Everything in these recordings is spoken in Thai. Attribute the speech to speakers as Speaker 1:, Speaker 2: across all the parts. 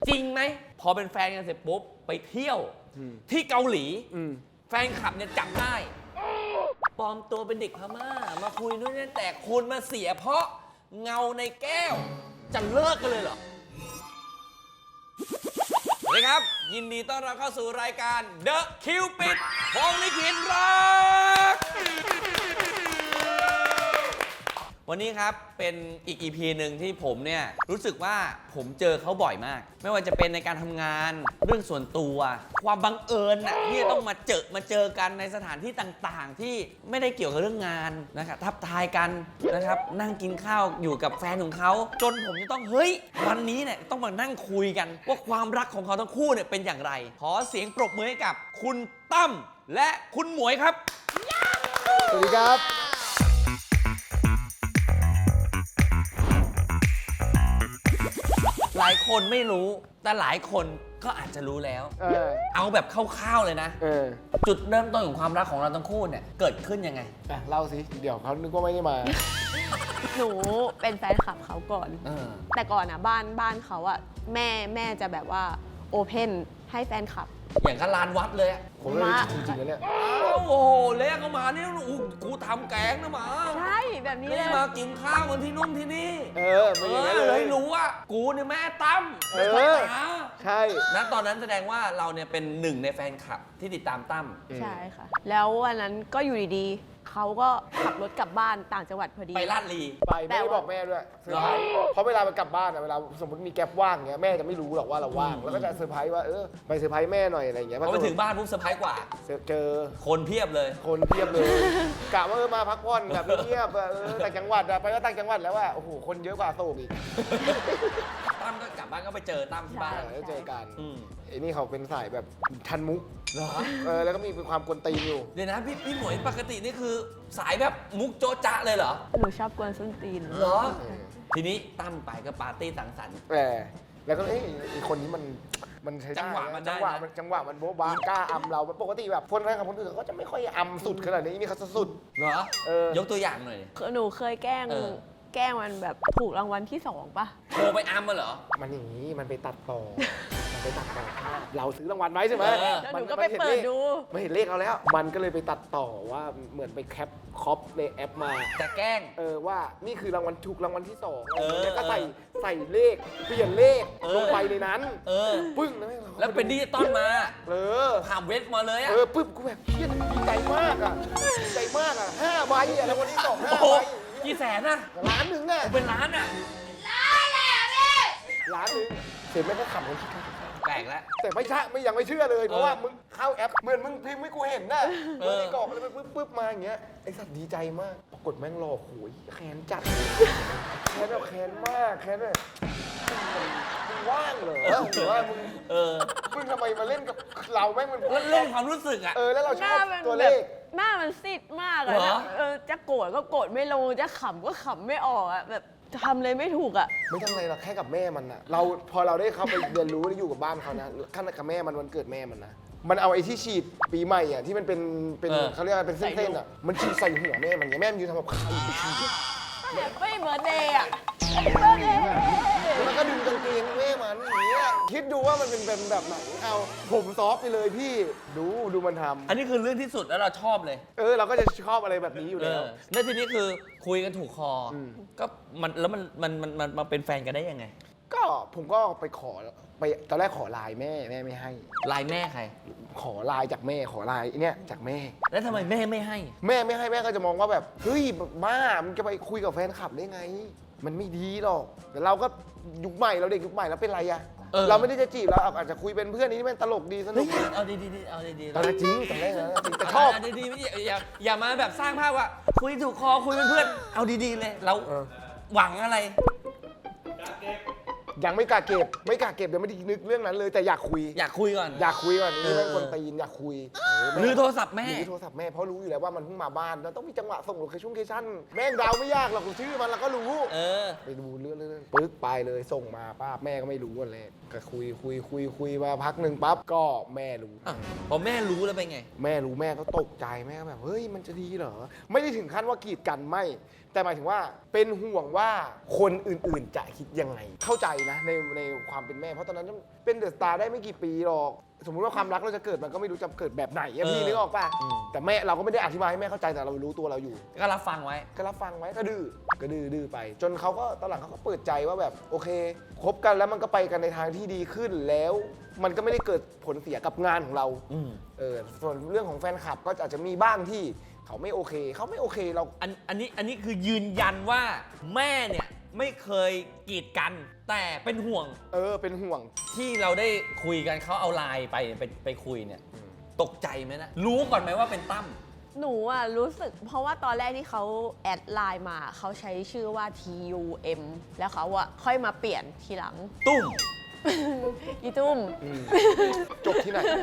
Speaker 1: จริงไหมพอเป็นแฟนกันเสร็จปุ๊บไปเที่ยวที่เกาหลีแฟนคลับเนี่ยจับได้ปลอมตัวเป็นเด็กพม่ามาคุยนู่นนี่แต่คุณมาเสียเพราะเงาในแก้วจะเลิกกันเลยเหรอสวัสดีครับยินดีต้อนรับเข้าสู่รายการ The Cupid พรหมลิขิตรักวันนี้ครับเป็นอีก EP หนึ่งที่ผมเนี่ยรู้สึกว่าผมเจอเขาบ่อยมากไม่ว่าจะเป็นในการทำงานเรื่องส่วนตัวความบังเอิญน่ะที่ต้องมาเจอกันในสถานที่ต่างๆที่ไม่ได้เกี่ยวกับเรื่องงานนะครับทักทายกันนะครับนั่งกินข้าวอยู่กับแฟนของเขาจนผมจะต้องเฮ้ยวันนี้เนี่ยต้องมานั่งคุยกันว่าความรักของเขาทั้งคู่เนี่ยเป็นอย่างไรขอเสียงปรบมือให้กับคุณตั้มและคุณหมวยครับ
Speaker 2: สวัสดีครับ
Speaker 1: หลายคนไม่รู้แต่หลายคนก็อาจจะรู้แล้วเอาแบบคร่าวๆเลยนะจุดเริ่มต้นของความรักของเราทั้งคู่เนี่ยเกิดขึ้นยังไง
Speaker 2: เล่าสิเดี๋ยวเขานึกว่าไม่ได้มา
Speaker 3: หนูเป็นแฟนคลับเขาก่อนแต่ก่อนอ่ะบ้านเขาอ่ะแม่จะแบบว่าโอเพนให้แฟนคลับ
Speaker 1: อย่างกับลานวัดเลย
Speaker 2: ผมเลยจริงๆแล้วเนี่ย
Speaker 1: โอ้โหเละก็มานี่กูทำแกงนะหมา
Speaker 3: ใช่แบบนี้เลย
Speaker 1: มากินข้าวกันที่นู่นที่นี่
Speaker 2: ไม่อย่างนั้นเลย
Speaker 1: รู้ว่ากูเนี่ยแม่ตั้ม
Speaker 2: ใช่
Speaker 1: นะตอนนั้นแสดงว่าเราเนี่ยเป็นหนึ่งในแฟนคลับที่ติดตามตั้ม
Speaker 3: ใช่ค่ะแล้ววันนั้นก็อยู่ดีๆเขาก็ขับรถกลับบ้านต่างจังหวัดพอดี
Speaker 1: ไปลาดลี
Speaker 2: ไปไม่ได้บอกแม่ด้วยเซอร์ไพรส์เพราะเวลาไปกลับบ้านเวลาสมมติมีแก๊ปว่างเงี้ยแม่จะไม่รู้หรอกว่าเราว่างแล้วก็จะเซอร์ไพรส์ว่าไปเซอร์ไพรส์แม่หน่อยอะไรเงี้ย
Speaker 1: พอไปถึงบ้านปุ๊บเซอร์ไพรส์กว่า
Speaker 2: เจอ
Speaker 1: คนเพียบเลย
Speaker 2: กะว่ามาพักผ่อนแบบเงียบต่างจังหวัดไปก็ต่างจังหวัดแล้วว่าโอ้โหคนเยอะกว่าโศกอีก
Speaker 1: ตั้มก็กลับบ้านก็ไปเจอตั้มที่บ้าน
Speaker 2: แล้วเจอกันไอ้นี่เขาเป็นสายแบบทันมุกเหรอแล้วก็มีความกวนตีนอยู่
Speaker 1: เดี๋ยวนะพี่หมวยปกตินี่คือสายแบบมุกโจ๊ะจ๊ะเลยเหรอ
Speaker 3: หนูชอบกวนส้นตีน
Speaker 1: เหรอทีนี้ตั้มไปก็ปาร์ตี้สังสรรค์
Speaker 2: แล้วก็อีกคนนี้มันใช้
Speaker 1: จังหวะ
Speaker 2: มันโบ๊ะบ้ากล้าอำเราปกติแบบคนแรกกับคนอื่นเขาจะไม่ค่อยอำสุดขนาดนี้นี่เขาสุด
Speaker 1: เหรอยกตัวอย่างหน่อย
Speaker 3: หนูเคยแกล้งมันแบบถูกรางวัลที่2ป่ะ
Speaker 1: โทรไปอัมมาเหรอ
Speaker 2: มันอย่างนี้มันไปตัดต่อเราซื้อรางวัลไว้ใช่ไหม
Speaker 3: แล้วหนูก็ไปเปิดดู
Speaker 2: ไม่เห็นเลขเราแล้วมันก็เลยไปตัดต่อว่าเหมือนไปแคปคอปในแอปมา
Speaker 1: จะแกล้ง
Speaker 2: ว่านี่คือรางวัลถูกรางวัลที่2แล้วก็ใส่เลขเปลี่ยนเลขลงไปในนั้นปึ้ง
Speaker 1: แล้วเป็นดิจิตอลมาผ่านเว็บมาเลย
Speaker 2: ปึ๊บกูแบบเฮี้ยดีใจมากดีใจมาก5 ใบรางวัลที่2 5 ใบ
Speaker 1: กี่แสนนะ
Speaker 2: ล้านหนึ่งน่ะ
Speaker 1: เป็นล้านอ่ะ
Speaker 2: ล้านหนึ่งเสร็จแม่ก็ขำคนคิด
Speaker 1: แปลกแล้ว
Speaker 2: แต่ไม่ใช่ยังไม่เชื่อเลยเพราะว่ามึงเข้าแอปเหมือนมึงพิมพ์ให้กูเห็นน่ะมึงไอ้กรอกแล้วมันปึ๊บมาอย่างเงี้ยไอ้สัตว์ดีใจมากปรากฏแม่งรอโหยแค้นจัดแค้นแบบแค้นมากแค้นแบบมึงว่างเหรอหรือว่ามึงทำไมมาเล่นกับเราแม่งมัน
Speaker 1: เล่นความรู้สึก
Speaker 2: แล้วเราชอบตัวเลข
Speaker 3: หน้ามันซีดมากเลยนะจะโกรธก็โกรธไม่ลงจะขำก็ขำไม่ออกแบบทำเลยไม่ถูก
Speaker 2: ไม่ทำอะไรหรอกแค่กับแม่มันพอเราได้เข้าไปเรียนรู้ได้อยู่กับบ้านเขานะขั้นกับแม่มันวันเกิดแม่มันนะมันเอาไอ้ที่ฉีดปีใหม่ที่มันเป็นเขาเรียกว่าเป็นเส้นมันฉีดใส่หัวแม่มันแม่มันยืนทำกับข้าว
Speaker 3: ไม่เบิร์ดเดย์
Speaker 2: แล้วก็ดึงกางเกงแม่มันอย่างเงี้ยคิดดูว่ามันเป็นแบบไหนเอาผมซอฟไปเลยพี่ดูมันทำ
Speaker 1: อันนี้คือเรื่องที่สุดแล้วเราชอบเลย
Speaker 2: เราก็จะชอบอะไรแบบนี้อยู่แล้ว
Speaker 1: แล้วทีนี้คือคุยกันถูกคอก็มันแล้วมันมาเป็นแฟนกันได้ยังไง
Speaker 2: ก็ผมก็ไปตอนแรกขอไลน์แม่ไม่ให้
Speaker 1: ไลน์แม่ใคร
Speaker 2: ขอไลน์จากแม่ขอไลน์เนี่ยจากแม่
Speaker 1: แล้วทำไมแม่ไม่ให้
Speaker 2: แม่ไม่ให้แม่ก็จะมองว่าแบบเฮ้ยบ้ามันจะไปคุยกับแฟนคลับได้ไงมันไม่ดีหรอกแต่เราก็ยุคใหม่เราเด็กยุคใหม่แล้วเป็นไรเราไม่ได้จะจีบเราอาจจะคุยเป็นเพื่อนนี้มันตลกดีสนุก
Speaker 1: เอาดีเอาดี
Speaker 2: ตอนจริงตอนแรกนะแต่ชอบ
Speaker 1: ดีอย่ามาแบบสร้างภาพว่าคุยถูกคอคุยเป็นเพื่อนเอาดีๆเลยเราหวังอะไร
Speaker 2: ยังไม่กล้าเก็บเดี๋ยวไม่ได้นึกเรื่องนั้นเลยแต่อยากคุย
Speaker 1: ก่อน
Speaker 2: นี่เป็นคนตีนอยากคุย
Speaker 1: หรือโทรศัพท์แม่
Speaker 2: เพราะรู้อยู่แล้วว่ามันเพิ่งมาบ้านแล้วต้องมีจังหวะส่งโลเคชั่นแม่งดาวไม่ยากหรอกชื่อมันเราก็รู้ไปดูเรื่องปึ๊กไปเลยส่งมาป้าแม่ก็ไม่รู้อะไรก็คุยมาพักหนึ่งปั๊บก็แม่รู้
Speaker 1: พอแม่รู้แล้วเป็นไง
Speaker 2: แม่รู้แม่ก็ตกใจแม่ก็แบบเฮ้ยมันจะดีเหรอไม่ได้ถึงขั้นว่ากีดกันไม่แต่หมายถึงว่าเป็นห่วงว่าคนอื่นๆจะคิดยังไงเข้าใจนะในความเป็นแม่เพราะตอนนั้นเป็นเดอะสตาร์ได้ไม่กี่ปีหรอกสมมุติว่าความรักเราจะเกิดมันก็ไม่รู้จะเกิดแบบไหนอะพี่นึกออกป่ะแต่แม่เราก็ไม่ได้อธิบายให้แม่เข้าใจแต่เรารู้ตัวเราอยู่
Speaker 1: ก็รับฟังไว้
Speaker 2: ก็รับฟังไว้ก็ดื้อไป จนเขาก็ตอนหลังเขาก็เปิดใจว่าแบบโอเคคบกันแล้วมันก็ไปกันในทางที่ดีขึ้นแล้ว มันก็ไม่ได้เกิดผลเสียกับงานของเราส่วนเรื่องของแฟนคลับก็อาจจะมีบ้างที่เขาไม่โอเคเรา
Speaker 1: อันนี้คือยืนยันว่าแม่เนี่ยไม่เคยกีดกันแต่เป็นห่วง
Speaker 2: เป็นห่วง
Speaker 1: ที่เราได้คุยกันเขาเอาไลน์ไปคุยเนี่ยตกใจไหมนะรู้ก่อนไหมว่าเป็นตั้ม
Speaker 3: หนูอ่ะรู้สึกเพราะว่าตอนแรกที่เขาแอดไลน์มาเขาใช้ชื่อว่า TUM แล้วเขาอ่ะค่อยมาเปลี่ยนทีหลัง
Speaker 1: ตุ้ม
Speaker 3: อีตุ้ม
Speaker 2: จบที่ไหนนะ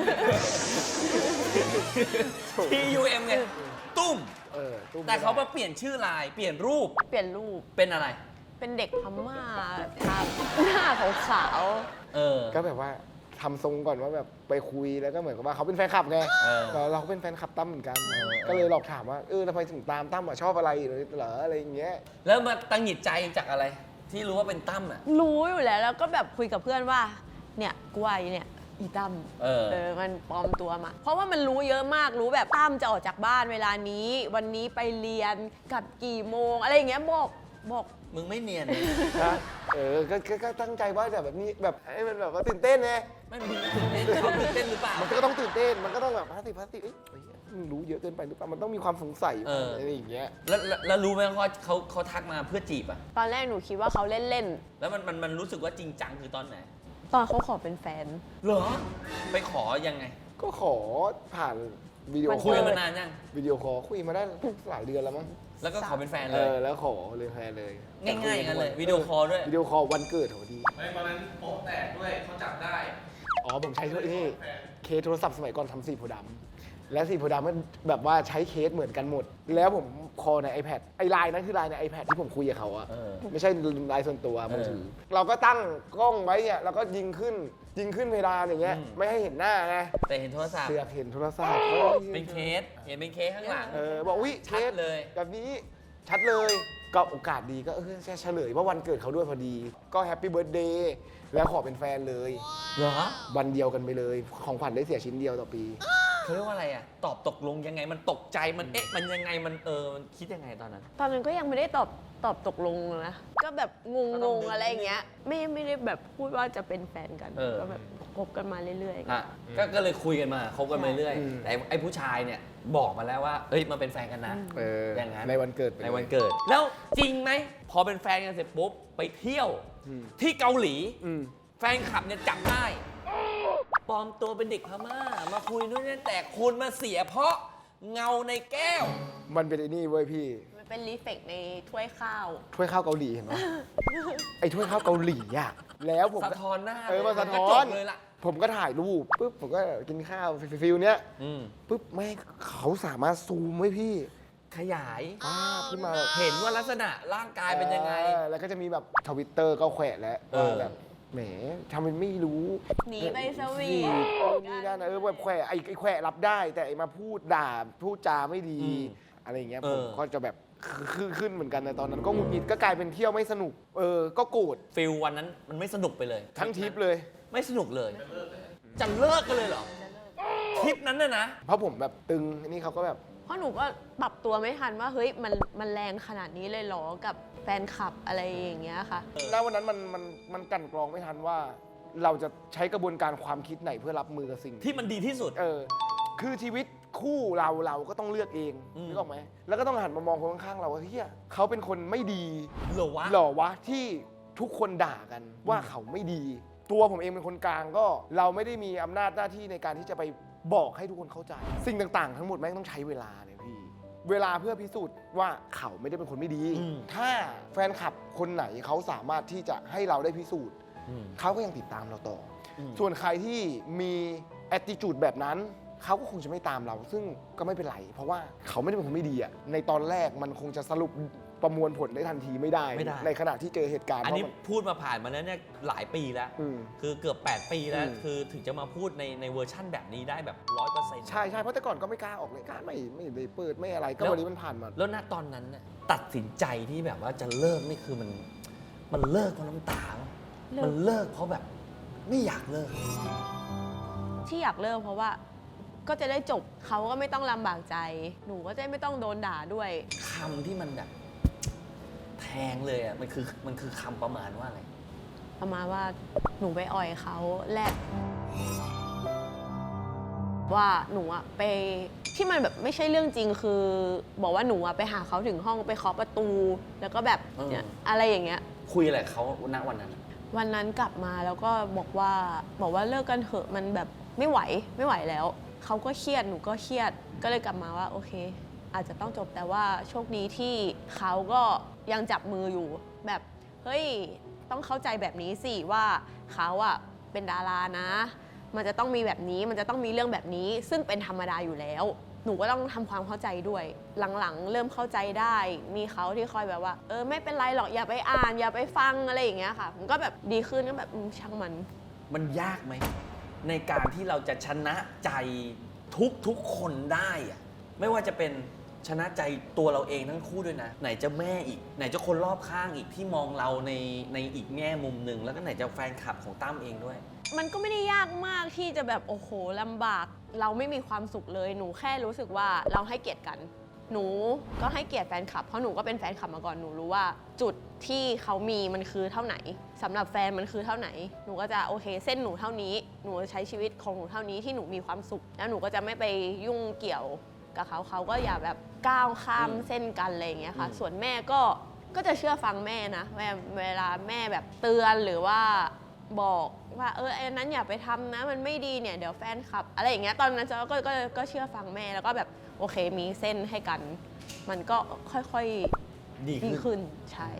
Speaker 1: TUM ไงตุ้ม
Speaker 2: ตุ้ม
Speaker 1: แต่เขามาเปลี่ยนชื่อไลน์เปลี่ยนรูป
Speaker 3: เปลี่ยนรูป
Speaker 1: เป็นอะไร
Speaker 3: เป็นเด็กพม่าทาหน้าขาว
Speaker 2: ก็แบบว่าทำทรงก่อนว่าแบบไปคุยแล้วก็เหมือนกับว่าเขาเป็นแฟนคลับไงเราก็เป็นแฟนคลับตั้มเหมือนกัน ก็เลยหลอกถามว่าทำไมถึงตามตั้มชอบอะไรเหรออะไรอย่างเงี้ย
Speaker 1: แล้วมาตังหงิดใจจากอะไร ที่รู้ว่าเป็นตั้มอ่ะ
Speaker 3: ๆรู้อยู่แล้วแล้วก็แบบคุยกับเพื่อนว่าเนี่ยกูว่าเนี่ยอีตั้ม มันปลอมตัวมา เพราะว่ามันรู้เยอะมากรู้แบบตั้มจะออกจากบ้านเวลานี้ วันนี้ไปเรียนกลับกี่โมงอะไรอย่างเงี้ยบอก
Speaker 1: มึงไม่เนียน
Speaker 2: นะก็ตั้งใจว่าแบบนี้แบบให้มันแบบว่าตื่นเต้นไง
Speaker 1: ไม่มึงตื่นเต้นเขาตื่นเต้นหรือเปล่า
Speaker 2: มันก็ต้องตื่นเต้นมันก็ต้องแบบพลาสติกมึงรู้เยอะเกินไปหรือเปล่ามันต้องมีความสงสัยอะไรอย่างเงี้ย
Speaker 1: แล้วรู้ไหมว่าเขาทักมาเพื่อจีบอ่ะ
Speaker 3: ตอนแรกหนูคิดว่าเขาเล่น
Speaker 1: แล้วมันรู้สึกว่าจริงจังคือตอนไหน
Speaker 3: ๆ ตอนเขาขอเป็นแฟน
Speaker 1: เหรอ ไปขอยังไง
Speaker 2: ก็ขอผ่านวิดีโอ
Speaker 1: คุยกันมานานยัง
Speaker 2: วิดีโอคอลคุยมาได้หลายเดือนแล้วมั้ง
Speaker 1: แล้วก็ขอเป็นแฟนเลย
Speaker 2: แล้วขอเลยแฟนเลย
Speaker 1: ง่ายๆอย่างนั้นเลยวิดีโอคอลด้วย
Speaker 2: วิดีโอคอลวันเกิดโหดี
Speaker 1: ไม่ตอนนั้นโป๊ะแตกด้วยเขาจับได้
Speaker 2: ผมใช้เคสโทรศัพท์สมัยก่อนทำสีโพธิ์ดำและสีโพธิ์ดำมันแบบว่าใช้เคสเหมือนกันหมด แล้วผมคอลใน iPad ไอ้ไลน์นั้นคือไลน์ใน iPad ที่ผมคุยกับเขาอะไม่ใช่ไลน์ส่วนตัวมือถือเราก็ตั้งกล้องไว้เนี่ยเราก็ยิงขึ้นเพดานอย่างเงี้ยไม่ให้เห็นหน้าไง
Speaker 1: แต่เห็นโทรศัพท์
Speaker 2: เสือกเห็นโทรศัพท์
Speaker 1: เป็นเคส เห็นเป็นเคสข้างหลัง
Speaker 2: บอกวิ
Speaker 1: ชัดเลย
Speaker 2: แบบนี้ชัดเลยก็โอกาสดีก็จะเฉลยว่าวันเกิดเขาด้วยพอดี ก็แฮปปี้เบิร์ดเดย์แล้วขอเป็นแฟนเลย
Speaker 1: เหรอ
Speaker 2: วันเดียวกันไปเลย ของขวัญได้เสียชิ้นเดียวต่อปี
Speaker 1: เขาเรียกว่าอะไรอ่ะ ตอบตกลงยังไง มันตกใจ มันมันยังไง มันมันคิดยังไงตอนนั้น
Speaker 3: ตอนนั้นก็ยังไม่ได้ตอบตกลงนะ ก็แบบงงๆอะไรอย่างเงี้ย ไม่ได้แบบพูดว่าจะเป็นแฟนกัน ก็แบบคบกันมาเรื่อย
Speaker 1: อ่ะก็เลยคุยกันมาคบกันมาเรื่อย
Speaker 2: อืม
Speaker 1: แต่ไอ้ผู้ชายเนี่ยบอกมาแล้วว่าเฮ้ยมาเป็นแฟนกันนะ อย่างนั้น
Speaker 2: ในวันเกิด
Speaker 1: ในวันเกิด แล้วจริงไหมพอเป็นแฟนกันเสร็จปุ๊บไปเที่ยวที่เกาหลี แฟนคลับเนี่ยจับได้ปลอมตัวเป็นเด็กพม่ามาคุยนู่นนี่แต่คุณมาเสียเพราะเงาในแก้ว
Speaker 2: มันเป็นไอ้นี่เว้ยพี่
Speaker 3: ๆ มันเป็นรีเฟกในถ้วยข้าว
Speaker 2: ถ้วยข้าวเกาหลีเห็นไหม ไอ้ถ้วยข้าวเกาหลีอ่ะแล้วผม
Speaker 1: สะท้อนหน้า
Speaker 2: มาสะท้
Speaker 1: ก็
Speaker 2: อ
Speaker 1: จ
Speaker 2: น
Speaker 1: บเลยล่ะ
Speaker 2: ผมก็ถ่ายรูปปุ๊บผมก็กินข้าวฟิลเนี้ย
Speaker 1: อืม
Speaker 2: ปุ๊บแม่งเขาสามารถซูมไว้พี่
Speaker 1: ขยาย
Speaker 2: ภาพขึ้นมา
Speaker 1: เห็นว่าลักษณะร่างกายเป็นยังไง
Speaker 2: แล้วก็จะมีแบบทวิตเตอร์ก็แขวะแล้ว แบบแหมทำเป็นไม่รู้
Speaker 3: หนีไปสวีท
Speaker 2: นี่นั่นนะแบบแขวะไอ้แขวะรับได้ แต่ไอ้มาพูดด่าพูดจาไม่ดี อะไรอย่างเงี้ยผมก็จะแบบขึ้นเหมือนกันในตอนนั้น ก็หงุดหงิดก็กลายเป็นเที่ยวไม่สนุก ก็โกรธ
Speaker 1: ฟิลวันนั้นมันไม่สนุกไปเลย
Speaker 2: ทั้งทริปเลย
Speaker 1: ไม่สนุกเลย จะเลิกกันเลยเหรอทริปนั้นน่ะนะ
Speaker 2: เพราะผมแบบตึงอันนี้เขาก็แบบ
Speaker 3: เพราะหนูก็ปรับตัวไม่ทันว่าเฮ้ยมันแรงขนาดนี้เลยเหรอกับแฟนคลับอะไรอย่างเงี้ยค่ะ
Speaker 2: ณวันนั้นมันกลั่นกรองไม่ทันว่า เราจะใช้กระบวนการความคิดไหนเพื่อรับมือกับสิ่ง
Speaker 1: ที่มันดีที่สุด
Speaker 2: คือชีวิตคู่เราก็ต้องเลือกเองนึกออกไหมแล้วก็ต้องหันมามองคนข้างๆเราว่าเฮียเขาเป็นคนไม่ดี
Speaker 1: เหรอวะ
Speaker 2: หรอวะที่ทุกคนด่ากันว่าเขาไม่ดี ตัวผมเองเป็นคนกลางก็เราไม่ได้มีอำนาจหน้าที่ในการที่จะไปบอกให้ทุกคนเข้าใจ สิ่งต่างๆ ทั้งหมดแม่งต้องใช้เวลาเนี่ยพี่เวลาเพื่อพิสูจน์ว่าเขาไม่ได้เป็นคนไม่ดี ถ้าแฟนคลับคนไหนเขาสามารถที่จะให้เราได้พิสูจน์เขาก็ยังติดตามเราต่ออส่วนใครที่มี attitude แบบนั้นเขาก็คงจะไม่ตามเรา ซึ่งก็ไม่เป็นไร เพราะว่าเขาไม่ได้เป็นคนไม่ดีอะในตอนแรกมันคงจะสรุปประมวลผลได้ทันทีไม่ได้ ในขณะที่เจอเหตุการณ์
Speaker 1: อันนี้
Speaker 2: เพราะมัน
Speaker 1: พูดมาผ่านมาแล้วเนี่ยหลายปีแล้ว คือเกือบ 8 ปีแล้ว คือถึงจะมาพูดในเวอร์ชั่นแบบนี้ได้แบบ 100%
Speaker 2: ใช่เพราะแต่ก่อนก็ไม่กล้าออกเลยกล้าไม่ได้เปิดไม่อะไรก็วันนี้มันผ่านมา
Speaker 1: แล้วณตอนนั้นน่ะตัดสินใจที่แบบว่าจะเลิกนี่คือมันเลิกเพราะน้ำตาปะมันเลิกเพราะแบบไม่อยากเลิก
Speaker 3: ที่อยากเลิกเพราะว่าก็จะได้จบเขาก็ไม่ต้องลำบากใจ หนูก็จะไม่ต้องโดนด่าด้วย
Speaker 1: คำที่มันแบบแทงเลยอ่ะมันคือคำประมาณว่าอะไร
Speaker 3: ประมาณว่าหนูไปอ่อยเขาแลกว่าหนูอะไปที่มันแบบไม่ใช่เรื่องจริงคือ บอกว่าหนูอะไปหาเขาถึงห้องไปเคาะประตู แล้วก็แบบเนี่ยอะไรอย่างเงี้ย
Speaker 1: คุยอะไรกับเขาณวันนั้น
Speaker 3: วันนั้นกลับมาแล้วก็บอกว่าเลิกกันเถอะมันแบบไม่ไหวแล้วเขาก็เครียดหนูก็เครียดก็เลยกลับมาว่าโอเค อาจจะต้องจบแต่ว่าโชคดีที่เขาก็ยังจับมืออยู่แบบเฮ้ยต้องเข้าใจแบบนี้สิว่าเขาอะเป็นดารานะ มันจะต้องมีแบบนี้มันจะต้องมีเรื่องแบบนี้ ซึ่งเป็นธรรมดาอยู่แล้ว หนูก็ต้องทำความเข้าใจด้วยหลังๆเริ่มเข้าใจได้มีเขาที่คอยแบบว่าไม่เป็นไรหรอกอย่าไปอ่านอย่าไปฟังอะไรอย่างเงี้ยค่ะมันก็แบบดีขึ้นก็แบบช่างมัน
Speaker 1: ยากไหมในการที่เราจะชนะใจทุกคนได้อะไม่ว่าจะเป็นชนะใจตัวเราเองทั้งคู่ด้วยนะไหนจะแม่อีกไหนจะคนรอบข้างอีกที่มองเราในอีกแง่มุมหนึ่งแล้วก็ไหนจะแฟนคลับของตั้มเองด้วย
Speaker 3: มันก็ไม่ได้ยากมากที่จะแบบโอ้โหลำบากเราไม่มีความสุขเลยหนูแค่รู้สึกว่าเราให้เกียรติกันหนูก็ให้เกียรติแฟนคลับเพราะหนูก็เป็นแฟนคลับมาก่อนหนูรู้ว่าจุดที่เขามีมันคือเท่าไหนสำหรับแฟนมันคือเท่าไหนหนูก็จะโอเคเส้นหนูเท่านี้หนูใช้ชีวิตของหนูเท่านี้ที่หนูมีความสุขแล้วหนูก็จะไม่ไปยุ่งเกี่ยวกับเขาก็อย่าแบบก้าวข้ามเส้นกันอะไรอย่างเงี้ยค่ะส่วนแม่ก็จะเชื่อฟังแม่นะเวลาแม่แบบเตือนหรือว่าบอกว่าไอ้นั้นอย่าไปทำนะมันไม่ดีเนี่ยเดี๋ยวแฟนคลับอะไรอย่างเงี้ยตอนนั้นก็เชื่อฟังแม่แล้วก็แบบโอเคมีเส้นให้กันมันก็ค่อยๆดีขึ้นใช่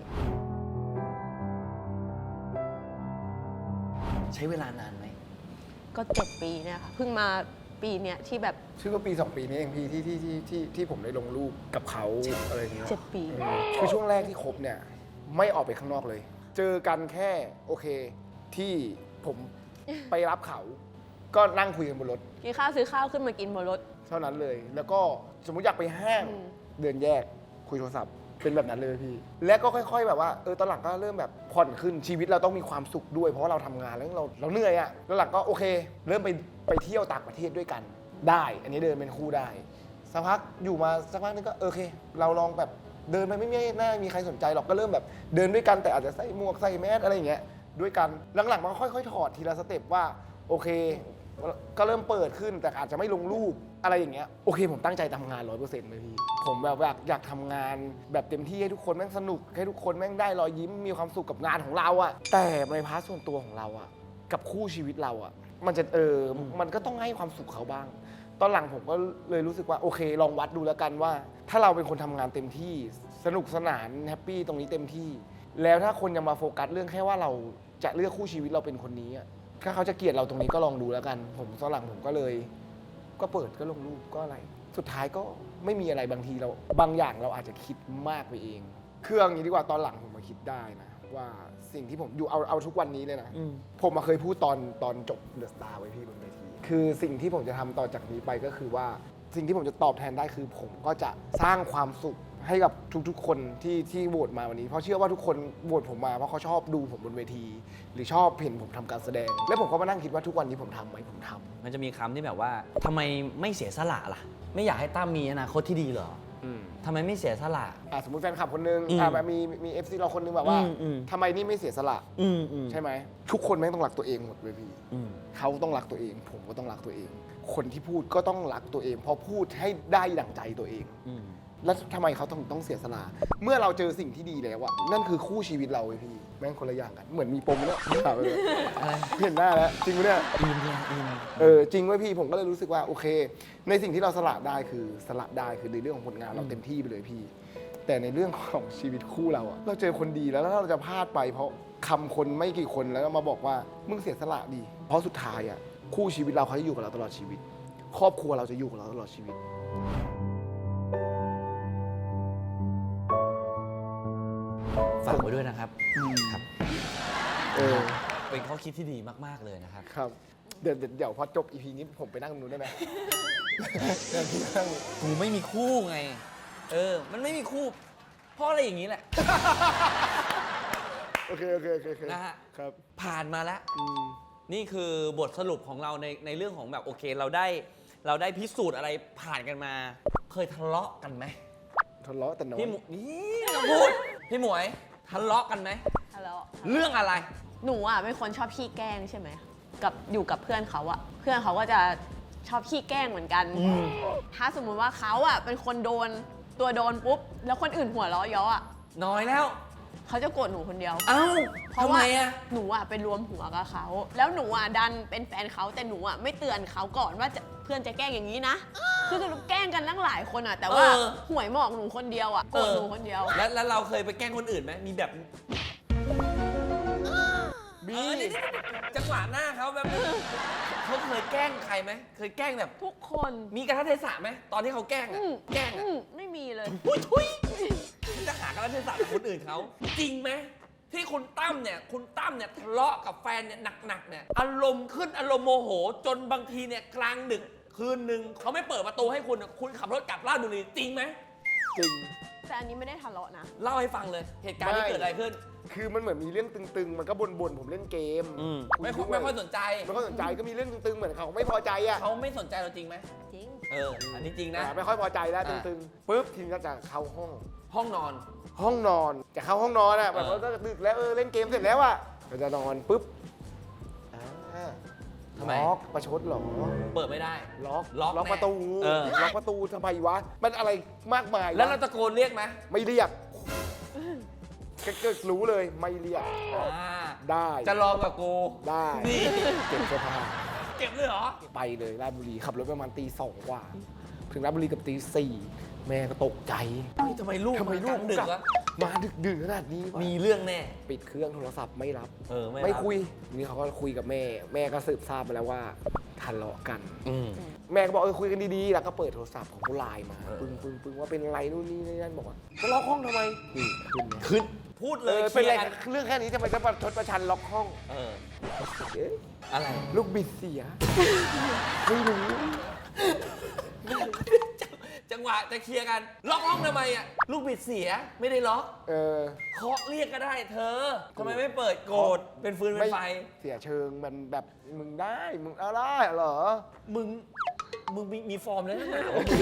Speaker 1: ใช้เวลานานไหม
Speaker 3: ก็7 ปีเนี่ยค่ะเพิ่งมาปีเนี้ยที่แบบ
Speaker 2: ชื่อว่าปี2 ปีนี้เองพี่ที่ผมได้ลงรูปกับเขาอะไรอย่างเงี้ย
Speaker 3: 7 ปี
Speaker 2: คือช่วงแรกที่คบเนี่ยไม่ออกไปข้างนอกเลย เจอกันแค่โอเคที่ผมไปรับเขาก็นั่งคุยกันบนรถ
Speaker 3: กินข้าวซื้อข้าวขึ้นมากินบนรถ
Speaker 2: เท่านั้นเลยแล้วก็สมมุติอยากไปห้างเดินแยกคุยโทรศัพท์เป็นแบบนั้นเลยพี่และก็ค่อยๆแบบว่าตอนหลังก็เริ่มแบบผ่อนขึ้นชีวิตเราต้องมีความสุขด้วยเพราะว่าเราทำงานแล้วเราเหนื่อยอะแล้วหลังก็โอเคเริ่มไปเที่ยวต่างประเทศด้วยกันได้อันนี้เดินเป็นคู่ได้สักพักอยู่มาสักพักนึงก็โอเคเราลองแบบเดินไปไม่น่ามีใครสนใจหรอกก็เริ่มแบบเดินด้วยกันแต่อาจจะใส่หมวกใส่แมสอะไรอย่างเงี้ยด้วยกันหลังๆมันค่อยๆถอดทีละสเต็ปว่าโอเคก็เริ่มเปิดขึ้นแต่อาจจะไม่ลงรูปอะไรอย่างเงี้ยโอเคผมตั้งใจทำงาน 100% เลยพี่ผมแบบอยากทำงานแบบเต็มที่ให้ทุกคนแม่งสนุกให้ทุกคนแม่งได้รอยยิ้มมีความสุขกับงานของเราอะแต่ในพาร์ทส่วนตัวของเราอะกับคู่ชีวิตเราอะมันจะมันก็ต้องให้ความสุขเขาบ้างตอนหลังผมก็เลยรู้สึกว่าโอเคลองวัดดูแล้วกันว่าถ้าเราเป็นคนทำงานเต็มที่สนุกสนานแฮปปี้ตรงนี้เต็มที่แล้วถ้าคนยังมาโฟกัสเรื่องแค่ว่าเราจะเลือกคู่ชีวิตเราเป็นคนนี้อะถ้าเขาจะเกลียดเราตรงนี้ก็ลองดูแล้วกันผมตอนหลังผมก็เลยก็เปิดก็ลงรูปก็อะไรสุดท้ายก็ไม่มีอะไรบางทีเราบางอย่างเราอาจจะคิดมากไปเองคืออย่างนี้ดีกว่าตอนหลังผมมาคิดได้นะว่าสิ่งที่ผมอยู่เอาทุกวันนี้เลยนะผมมาเคยพูดตอนจบเดอะสตาร์ไว้พี่บนเวทีคือสิ่งที่ผมจะทำต่อจากนี้ไปก็คือว่าสิ่งที่ผมจะตอบแทนได้คือผมก็จะสร้างความสุขให้กับทุกๆคนที่โหวตมาวันนี้เพราะเชื่อว่าทุกคนโหวตผมมาเพราะเขาชอบดูผมบนเวทีหรือชอบเห็นผมทำการแสดงแล้วผมก็มานั่งคิดว่าทุกวันนี้ผมทำไหมผมทำ
Speaker 1: มันจะมีคำที่แบบว่าทำไมไม่เสียสละล่ะไม่อยากให้ตั้มมีอนาคตที่ดีเหรอทำไมไม่เสียสละ
Speaker 2: สมมติแฟนคลับคนนึงมี FC เราคนนึงแบบว่าทำไมนี่ไม่เสียสละใช่ไหมทุกคนแม่งต้องรักตัวเองหมดเลยพี่เขาต้องรักตัวเองผมก็ต้องรักตัวเองคนที่พูดก็ต้องรักตัวเองเพราะพูดให้ได้ดั่งใจตัวเองแล้วทำไมเขาต้องเสียสละเมื่อเราเจอสิ่งที่ดีแล้วอะนั่นคือคู่ชีวิตเราเลยพี่แม่งคนละอย่างกันเหมือนมีปมเนี่ยเห็นหน้าแล้วจริงไหมเนี่ยจริงไว้พี่ผมก็เลยรู้สึกว่าโอเคในสิ่งที่เราสละได้คือในเรื่องของผลงานเราเต็มที่ไปเลยพี่แต่ในเรื่องของชีวิตคู่เราอะเราเจอคนดีแล้วเราจะพลาดไปเพราะคำคนไม่กี่คนแล้วมาบอกว่ามึงเสียสละดีเพราะสุดท้ายอะคู่ชีวิตเราเขาจะอยู่กับเราตลอดชีวิตครอบครัวเราจะอยู่กับเราตลอดชีวิต
Speaker 1: ฝากไว้ด้วยนะครับครับเป็นข้อคิดที่ดีมากๆเลยนะครับ
Speaker 2: ครับเดี๋ยวพอจบ EP นี้ผมไปนั่งตรงนู้นได้ไหม
Speaker 1: กูไม่มีคู่ไงมันไม่มีคู่เพราะอะไรอย่างนี้แหละ
Speaker 2: โอเค
Speaker 1: นะฮะ
Speaker 2: ครับ
Speaker 1: ผ่านมาแล้ว
Speaker 2: อืม
Speaker 1: นี่คือบทสรุปของเราในเรื่องของแบบโอเคเราได้พิสูจน์อะไรผ่านกันมา เคยทะเลาะกันไหม
Speaker 2: ทะเลาะแต่น้อย
Speaker 1: พี่หมวยนี่เราพูดพี่หมวยทะเลาะกันไหม
Speaker 3: ทะเลาะ
Speaker 1: เรื่องอะไร
Speaker 3: หนูอ่ะเป็นคนชอบขี้แกล้งใช่ไหมกับอยู่กับเพื่อนเขาอ่ะเพื่อนเขาก็จะชอบขี้แกล้งเหมือนกัน ถ้าสมมุติว่าเขาอ่ะเป็นคนโดนตัวโดนปุ๊บแล้วคนอื่นหัวเราะเยาะอ่ะ
Speaker 1: น้อยแล้ว
Speaker 3: เขาจะโกรธหนูคนเดียว
Speaker 1: เอ้า
Speaker 3: เพราะ
Speaker 1: ทำ
Speaker 3: ว่า
Speaker 1: ไมอะ
Speaker 3: หนูอ่ะไปรวมหัวกับเขาแล้วหนูอ่ะดันเป็นแฟนเขาแต่หนูอ่ะไม่เตือนเขาก่อนว่าเพื่อนจะแกล้งอย่างนี้นะคือแกล้งกันตั้งหลายคนอ่ะแต่ว่าหวยหมอกหนูคนเดียวอ่ะโกรธหนูคนเดียว
Speaker 1: แล้วเราเคยไปแกล้งคนอื่นไหมมีแบบ
Speaker 2: มี
Speaker 1: นี่จังหวะหน้าเขาแบบเขาเคยแกล้งใครไหมเคยแกล้งแบบ
Speaker 3: ทุกคน
Speaker 1: มีกระทะเทศะไหมตอนที่เขาแกล้งอะแกล้งอะ
Speaker 3: ไม่มีเลย
Speaker 1: ทุยจะหากระทะเทศะกับคนอื่นเขาจริงไหมที่คุณตั้มเนี่ยทะเลาะกับแฟนเนี่ยหนักๆเนี่ยอารมณ์ขึ้นอารมณ์โมโห จนบางทีเนี่ยกลางดึกคืนหนึ่งเขาไม่เปิดประตูให้คุณอะคุณขับรถกลับราชบุรีจริงไหม
Speaker 2: จริง
Speaker 3: แต่อันนี้ไม่ได้ทะเลาะนะ
Speaker 1: เล่าให้ฟังเลยเหตุการณ์ที่เกิดอะไรขึ้น
Speaker 2: คือมันเหมือนมีเรื่องตึงๆ มันก็บ่นๆ ผมเล่นเกม
Speaker 1: ไม่ค่อยสนใจ
Speaker 2: ไม่ค่อยสนใจก็มีเรื่องตึงๆ เหมือนเขาไม่พอใจอ่ะ
Speaker 1: เขาไม่สนใจเราจริงไหม
Speaker 3: จริง
Speaker 1: อันนี้จริงนะ
Speaker 2: ไม่ค่อยพอใจแล้ว
Speaker 1: อ่า
Speaker 2: ตึงๆปุ๊บทีมก็จะเข้าห้อง
Speaker 1: ห้องนอน
Speaker 2: ห้องนอนจะเข้าห้องนอนอ่ะแบบว่าก็ดึกแล้วเล่นเกมเสร็จแล้วอ่ะก็จะนอนปุ๊บล็อกประชดเหรอ
Speaker 1: เปิดไม่ได้
Speaker 2: ล็อก
Speaker 1: ล็อก
Speaker 2: ล็อก
Speaker 1: แน่
Speaker 2: ประตู
Speaker 1: เออ
Speaker 2: ล็อกประตูทำไมวะมันอะไรมากมายวะ
Speaker 1: แล้วเราตะโกนเรียกไหม
Speaker 2: ไม่เรียกก็รู้เลยไม่เรียก ได้
Speaker 1: จะลองกับกู
Speaker 2: ได้
Speaker 1: นี่
Speaker 2: เก็บเสื้อผ้า
Speaker 1: เก็บเลยเหรอ
Speaker 2: ไปเลยราชบุรีขับรถประมาณตีสองกว่า ถึงราชบุรีกับตีสี่แม่ก็ตกใจ
Speaker 1: เฮ้ยทำไมลูก
Speaker 2: ทำไมลูก
Speaker 1: ดึก
Speaker 2: กลับ
Speaker 1: วะ
Speaker 2: มาดึกขนาดนี้วะ
Speaker 1: มีเรื่องแน่
Speaker 2: ปิดเครื่องโทรศัพท์ไม่รับ
Speaker 1: ไม่
Speaker 2: คุยนี่เขาก็คุยกับแม่ แม่ก็สืบทราบมาแล้วว่าทะเลาะกัน
Speaker 1: อืม
Speaker 2: แม่ก็บอกคุยกันดีๆ แล้วก็เปิดโทรศัพท์ของผู้ไลน์มา
Speaker 1: เออ
Speaker 2: ปึ้งว่าเป็นอะไรนู่นนี่นั่นบอกว่าจะล็อกห้องทำไมนี่ขึ้นเลย
Speaker 1: ขึ้น พูดเลย
Speaker 2: เป็นอะไร
Speaker 1: คลียร์
Speaker 2: เรื่องแค่นี้ทำไมจะประชดประชันล็อกห้อง
Speaker 1: เออ
Speaker 2: เอ๊ะ
Speaker 1: อะไร
Speaker 2: ลูกบิดเสียไม่รู้
Speaker 1: จังหวะจะเคลียร์กัน ล็อกห้องทำไมอ่ะ ลูกบิดเสีย ไม่ได้ล็อก
Speaker 2: เออ
Speaker 1: เคาะเรียกก็ได้เธอทำไมไม่เปิดโกรธเป็นฟืนเป็นไฟ
Speaker 2: เสียเชิงมันแบบมึงได้มึงเอาได้เหรอ
Speaker 1: มึงมีฟอร์มแล้วนะ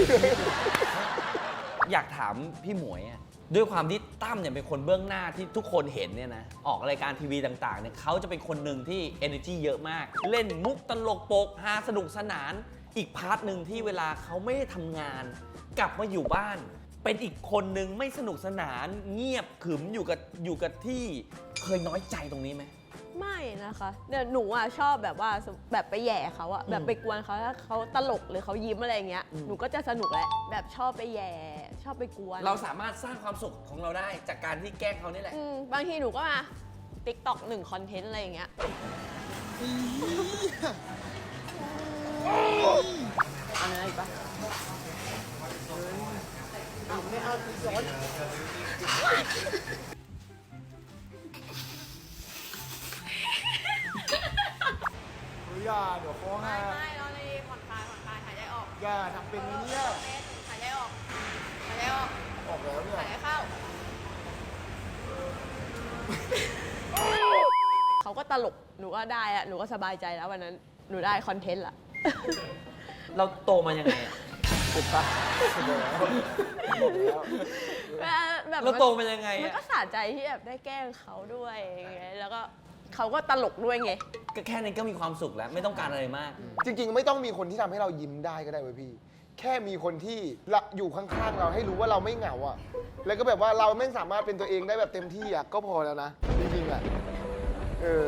Speaker 1: อยากถามพี่หมวยอะด้วยความที่ตั้มเนี่ยเป็นคนเบื้องหน้าที่ทุกคนเห็นเนี่ยนะออกรายการทีวีต่างๆเนี่ยเขาจะเป็นคนหนึ่งที่ energy เยอะมาก เล่นมุกตลกโปกฮาสนุกสนาน อีกพาร์ทหนึ่งที่เวลาเขาไม่ได้ทำงาน กลับมาอยู่บ้าน เป็นอีกคนหนึ่งไม่สนุกสนาน เงียบขรึมอยู่กับที่เคยน้อยใจตรงนี้ไหม
Speaker 3: ไม่นะคะเดี๋ยวหนูอ่ะชอบแบบว่าแบบไปแหย่เขาอ่ะแบบไปกวนเขาถ้าเขาตลกหรือเขายิ้มอะไรอย่างเงี้ยหนูก็จะสนุกแหละแบบชอบไปแหย่ชอบไปกวน
Speaker 1: เราสามารถสร้างความสุขของเราได้จากการที่แกล้งเขานี่แหละ
Speaker 3: บางทีหนูก็มา TikTok 1 คอนเทนต์อะไรอย่างเงี้ยอะไรปะ
Speaker 2: ไม่เอาตีย้อนอย่าเดี๋ยวฟ้องฮะ
Speaker 3: ไม่เราเลยผ่อนคลายหายใจออก
Speaker 2: อย่าทำเป็นไหมเนี่ย
Speaker 3: หายใจออกหายใจออก
Speaker 2: ออกแล้วเนี่ย
Speaker 3: หายใจเข้าเขาก็ตลกหนูก็ได้อะหนูก็สบายใจแล้ววันนั้นหนูได้คอนเทนต์ละ
Speaker 1: เราโตมายังไงอะ
Speaker 2: ถูกปะถูกแล้ว
Speaker 3: แบบ
Speaker 1: เราโตมายังไง
Speaker 3: มัน
Speaker 1: อะ
Speaker 3: ก็สะใจที่แบบได้แกล้งเขาด้วยอย่างเงี้ยแล้วก็เขาก็ตลกด้วยไง
Speaker 1: ก็แค่นี้ก็มีความสุขแล้วไม่ต้องการอะไรมาก
Speaker 2: จริงๆ ไม่ต้องมีคนที่ทำให้เรายิ้มได้ก็ได้เว้ยพี่ แค่มีคนที่อยู่ข้างๆ เราให้รู้ว่าเราไม่เหงาอ่ะ แล้วก็แบบว่าเราไม่สามารถเป็นตัวเองได้แบบเต็มที่อ่ะก็พอแล้วนะ จริงๆอ่ะ เออ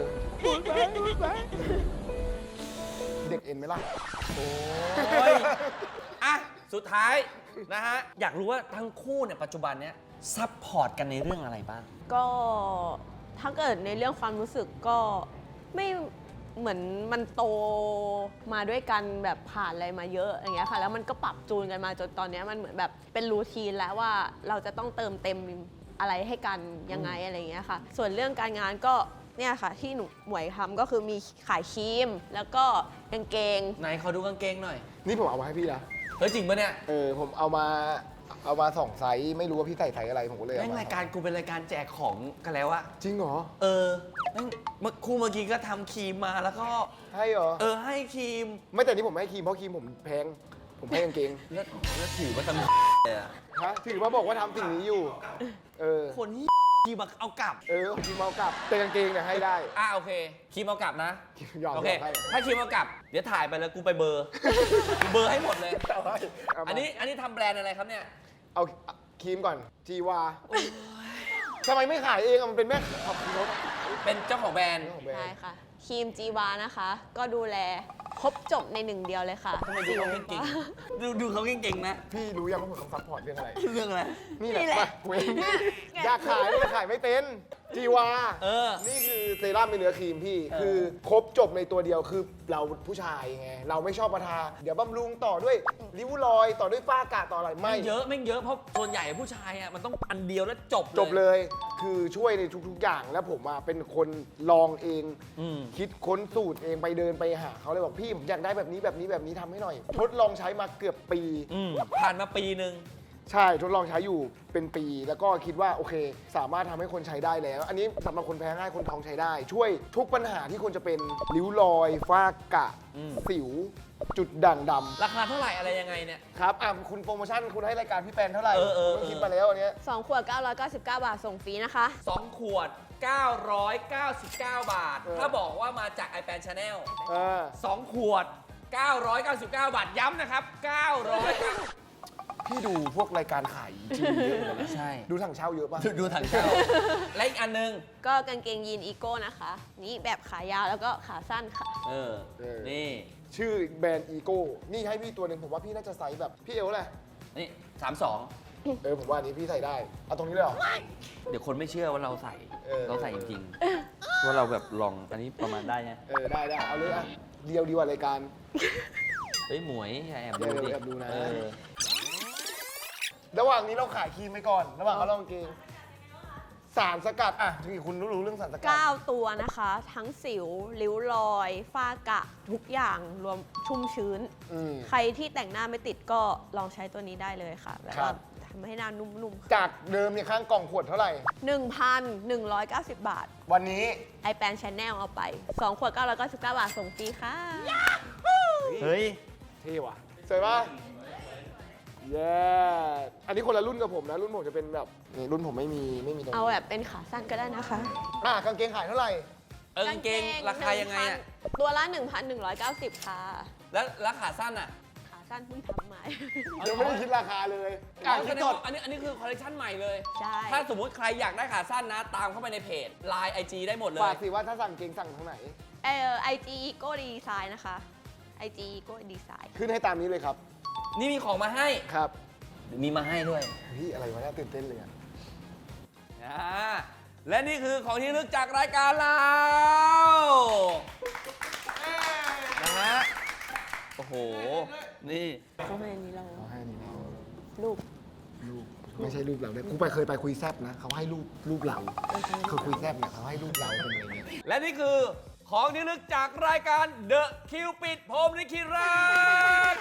Speaker 2: เด็กเอ็นไหมล่ะ
Speaker 1: โอ้ยอ่ะสุดท้ายนะฮะ อยากรู้ว่าทั้งคู่เนี่ยปัจจุบันเนี้ยซัพพอร์ตกันในเรื่องอะไรบ้าง
Speaker 3: ก็ถ้าเกิดในเรื่องความรู้สึกก็ไม่เหมือนมันโตมาด้วยกันแบบผ่านอะไรมาเยอะอย่างเงี้ยค่ะแล้วมันก็ปรับจูนกันมาจนตอนเนี้ยมันเหมือนแบบเป็นรูทีนแล้วว่าเราจะต้องเติมเต็มอะไรให้กันยังไงอะไรอย่างเงี้ยค่ะส่วนเรื่องการงานก็เนี่ยค่ะที่หนูหมวยทำก็คือมีขายครีมแล้วก็กางเกง
Speaker 1: ไหนเขาดูกางเกงหน่อย
Speaker 2: นี่ผมเอามาให้พี่นะ
Speaker 1: เฮ้ยจริงปะเนี่ย
Speaker 2: ผมเอามาเอามา2ไซส์ไม่รู้ว่าพี่ใส่ไซส์อะไรผมก็เลย
Speaker 1: แม่
Speaker 2: เอา
Speaker 1: ง
Speaker 2: มาร
Speaker 1: ายการกูเป็นรายการแจกของกันแล้วอะ
Speaker 2: จริงเหรอ
Speaker 1: แม่งเมื่อกี้ก็ทำครีมมาแล้วก็
Speaker 2: ให้เหรอ
Speaker 1: ให้ครีม
Speaker 2: ไม่แต่นี่ผมไม่ให้ครีมเพราะครีมผมแพงผมให้กางเกง
Speaker 1: แล้วถือว่าทำเลยอะ
Speaker 2: ฮะถือว่าบอกว่าทำสิ่งนี้อยู่
Speaker 1: คนที่ครีมเอากลับ
Speaker 2: ครีมเอากลับแต่กางเกงเนี่ยให้ได้
Speaker 1: โอเคครีมเอากลับนะ
Speaker 2: ยอม
Speaker 1: โอเค
Speaker 2: ให้
Speaker 1: ถ้าครีมเอากลับ เดี๋ยวถ่ายไปแล้วกูไปเบอร์ กูเบอร์ให้หมดเลย
Speaker 2: เอาให้เอามา
Speaker 1: อันนี้ทำแบรนด์อะไรครับเนี่ย
Speaker 2: เอาครีมก่อนจีวาทำไมไม่ขายเองอะมันเป็นแม่ขับรถ
Speaker 1: เป็นเจ้าของแบรนด์
Speaker 3: ใช่ค่ะครีมจีวานะคะ ก็ดูแลครบจบในหนึ่งเดียวเลยค่ะ
Speaker 1: ทำไมดูเขาเก่งๆดูเขาเก่งๆนะ
Speaker 2: พี่รู้ยังว่าผมต้องซัพพอร์ตเรื่องอะไร
Speaker 1: เรื่องอะไร
Speaker 2: นี่แหละมาเว้ยอยากขายแต่ขายไม่เป็นจีวา นี่คือเซรั่มเป็นเนื้อครีมพี่ คือครบจบในตัวเดียวคือเราผู้ชายไง เราไม่ชอบมาทา เดี๋ยวบำรุงต่อด้วยริ้วรอยต่อด้วยฝ้ากระต่ออะไรไม่
Speaker 1: ไม่เยอะเพราะส่วนใหญ่ผู้ชายอ่ะมันต้องอันเดียวแล้วจบ
Speaker 2: จบเลย คือช่วยในทุกๆอย่างแล้วผมอะเป็นคนลองเอง คิดค้นสูตรเองไปเดินไปหาเขาเลยบอกพี่ผมอยากได้แบบนี้ทำให้หน่อย ทดลองใช้มาเกือบปี
Speaker 1: ผ่านมาปีหนึ่ง
Speaker 2: ใช่ทดลองใช้อยู่เป็นปี แล้วก็คิดว่าโอเค สามารถทำให้คนใช้ได้แล้ว อันนี้สำหรับคนแพ้ง่ายคนท้องใช้ได้ ช่วยทุกปัญหาที่คนจะเป็นริ้วรอย ฝ้ากระสิว จุดด่างดำ
Speaker 1: ราคาเท่าไหร่อะไรยังไงเนี่ย
Speaker 2: ครับคุณโปรโมชั่นคุณให้รายการพี่แปนเท่าไหร่ ผมคิดมาแล้วอันเนี้ย
Speaker 3: 2 ขวด 999 บาทส่งฟรีนะคะ
Speaker 1: 2 ขวด 999 บาท ถ้าบอกว่ามาจาก iPad Channel 2 ขวด 999 บาท ย้ำนะครับ 900
Speaker 2: พี่ดูพวกรายการขายจริงเยอะเลยนะ
Speaker 1: ใช่
Speaker 2: ดูถังเช่าเยอะป่ะ
Speaker 1: ดูถังเช่าและอีกอันนึง
Speaker 3: ก็กางเกงยีนอีโก้นะคะ นี่แบบขายาวแล้วก็ขาสั้นค่ะ
Speaker 1: นี่
Speaker 2: ชื่อแบรนด์อีโก้นี่ให้พี่ตัวหนึ่งผมว่าพี่น่าจะไซส์แบบพี่เอวแหละ
Speaker 1: นี่ 32
Speaker 2: ผมว่าอันนี้พี่ใส่ได้เอาตรงนี้เลยเหรอ
Speaker 1: เดี๋ยวคนไม่เชื่อว่าเราใส่ เราใส่จริงๆว่าเราแบบลองอันนี้ประมาณได้ไง
Speaker 2: ได้เอาเลยอ่ะเดียวดีกว่ารายการ
Speaker 1: เฮ้ยหมวยอย่าแอบดูดิ
Speaker 2: แอบดูนะ ระหว่างนี้เราขายครีมไปก่อน ระหว่างเขาลองเกงสารสกัดอ่ะที่คุณรู้เรื่องสารสกัด
Speaker 3: 9 ตัวนะคะ ทั้งสิว ริ้วรอย ฝ้ากระทุกอย่างรวมชุ่มชื้น ใครที่แต่งหน้าไม่ติดก็ลองใช้ตัวนี้ได้เลยค่ะแบบว่าทำให้หน้านุ่มๆ
Speaker 2: จากเดิมเนี่ยข้างกล่องขวดเท่าไหร่
Speaker 3: 1,190 บาท
Speaker 2: วันนี้
Speaker 3: iPad Channel เอาไป 2 ขวด 999 บาทส่งฟรีค่ะ
Speaker 1: เฮ้ย
Speaker 2: เท่ว่ะสวยป่ะเย้อันนี้คนละรุ่นกับผมนะ รุ่นผมจะเป็นแบบนี่รุ่นผมไม่มีตรง
Speaker 3: เอา
Speaker 2: นี้
Speaker 3: แบบเป็นขาสั้นก็ได้นะคะ
Speaker 2: กางเกงขายเท่าไหร่
Speaker 1: กางเกงราคายังไงอ่ะ
Speaker 3: ตัวละ 1,190 ค่ะ
Speaker 1: แล้วขาสั้นอ่ะ
Speaker 3: ขาสั้นเพิ่งทำใหม่
Speaker 2: ยังไม่ได้คิดราคาเลย
Speaker 1: แสดงว่าอันนี้คือคอลเลคชันใหม่เลย
Speaker 3: ใช่
Speaker 1: ถ้าสมมุติใครอยากได้ขาสั้นนะ ตามเข้าไปในเพจ Line IG ได้หมดเล
Speaker 2: ฝาย กสิว่าถ้าสั่งเกงสั่งทางไหน
Speaker 3: IG Eco Design นะคะ IG Eco Design
Speaker 2: ขึ้นให้ตามนี้เลยครับ
Speaker 1: นี่มีของมาให้
Speaker 2: ครับ
Speaker 1: มีมาให้ด้วย
Speaker 2: เฮ้ยอะไรวะน่าตื่นเต้นเลยอะ
Speaker 1: และนี่คือของที่ระลึกจากรายการเรานะฮะ โอ้โห นี่
Speaker 3: เข้ามาในนี้เรา
Speaker 2: เขาให้อันนี้นะ
Speaker 3: รูป
Speaker 2: รูปไม่ใช่รูปเราด้วยกูเคยไปคุยแซบนะเขาให้รูปเราคือคุยแซบเนี่ยเขาให้รูปเราเป็นอะไรเนี่ย
Speaker 1: และนี่คือของที่ระลึกจากรายการ The Cupid พรหมลิขิตรัก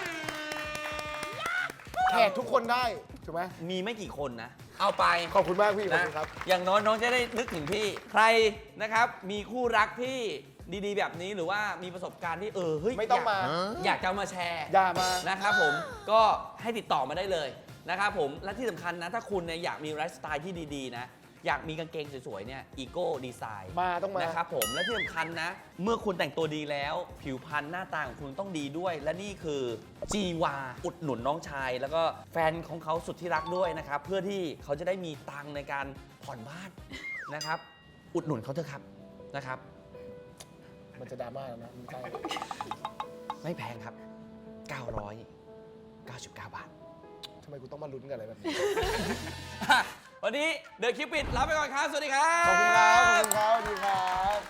Speaker 2: แขกทุกคนได้ถูกไหม
Speaker 1: มีไม่กี่คนนะ เอาไป
Speaker 2: ขอบคุณมากพี่ขอบ
Speaker 1: นะ
Speaker 2: คุณครับ
Speaker 1: อย่างน้อยน้องจะได้นึกถึงพี่ ใครนะครับ มีคู่รักที่ดีๆ แบบนี้หรือว่ามีประสบการณ์ที่เฮ้ย
Speaker 2: ไม่ต้องมา
Speaker 1: อยากจะเอามาแชร์
Speaker 2: อย่ามา
Speaker 1: นะครับผมก็ให้ติดต่อมาได้เลยนะครับผมและที่สำคัญนะถ้าคุณเนี่ยอยากมีไลฟ์สไตล์ที่ดีๆนะอยากมีกางเกงสวยๆเนี่ยอีโก้ดีไซน์
Speaker 2: ต้องมา
Speaker 1: นะครับผมและที่สำคัญนะ เมื่อคุณแต่งตัวดีแล้ว ผิวพรรณหน้าตาของคุณต้องดีด้วย และนี่คือจีวาอุดหนุนน้องชาย แล้วก็แฟนของเขาสุดที่รักด้วยนะครับเพื่อที่เขาจะได้มีตังค์ในการผ่อนบ้านนะครับอุดหนุนเขาเถอะครับนะครับ
Speaker 2: มันจะดราม่าแล้วนะมันใกล้
Speaker 1: ไม่แพงครับ 999 บาท
Speaker 2: ทำไมกูต้องมาลุ้นกันอะไรแบบนี้
Speaker 1: วันนี้เดอะคิวปิดลาไปก่อนครับ สวัสดีครับ
Speaker 2: ขอบคุณครับ สวัสดีครับ